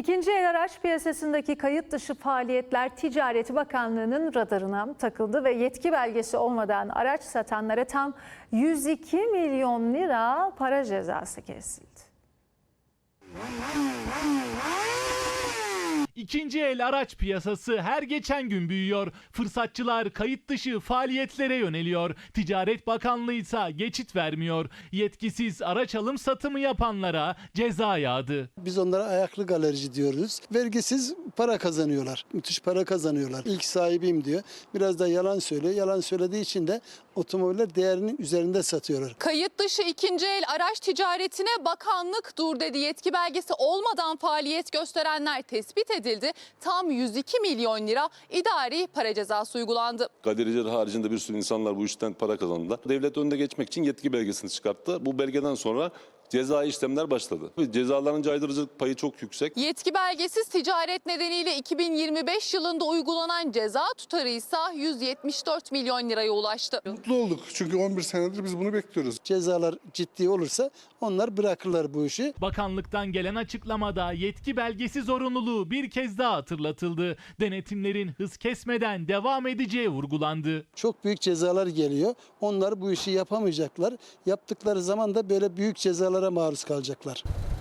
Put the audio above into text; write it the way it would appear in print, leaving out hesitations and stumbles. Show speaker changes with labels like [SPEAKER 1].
[SPEAKER 1] İkinci el araç piyasasındaki kayıt dışı faaliyetler Ticaret Bakanlığı'nın radarına takıldı ve yetki belgesi olmadan araç satanlara tam 102 milyon lira para cezası kesildi.
[SPEAKER 2] İkinci el araç piyasası her geçen gün büyüyor. Fırsatçılar kayıt dışı faaliyetlere yöneliyor. Ticaret Bakanlığı ise geçit vermiyor. Yetkisiz araç alım satımı yapanlara ceza yağdı.
[SPEAKER 3] Biz onlara ayaklı galerici diyoruz. Vergisiz para kazanıyorlar. Müthiş para kazanıyorlar. İlk sahibiyim diyor. Biraz da yalan söylüyor. Yalan söylediği için de otomobiller değerinin üzerinde satıyorlar.
[SPEAKER 4] Kayıt dışı ikinci el araç ticaretine bakanlık dur dedi. Yetki belgesi olmadan faaliyet gösterenler tespit edildi. Tam 102 milyon lira idari para cezası uygulandı.
[SPEAKER 5] Galericiler haricinde bir sürü insanlar bu işten para kazandılar. Devlet önüne geçmek için yetki belgesini çıkarttı. Bu belgeden sonra cezai işlemler başladı. Cezaların caydırıcılık payı çok yüksek.
[SPEAKER 4] Yetki belgesiz ticaret nedeniyle 2025 yılında uygulanan ceza tutarı ise 174 milyon liraya ulaştı.
[SPEAKER 6] Mutlu olduk çünkü 11 senedir biz bunu bekliyoruz.
[SPEAKER 3] Cezalar ciddi olursa onlar bırakırlar bu işi.
[SPEAKER 2] Bakanlıktan gelen açıklamada yetki belgesi zorunluluğu bir kez daha hatırlatıldı. Denetimlerin hız kesmeden devam edeceği vurgulandı.
[SPEAKER 3] Çok büyük cezalar geliyor. Onlar bu işi yapamayacaklar. Yaptıkları zaman da böyle büyük cezalara maruz kalacaklar.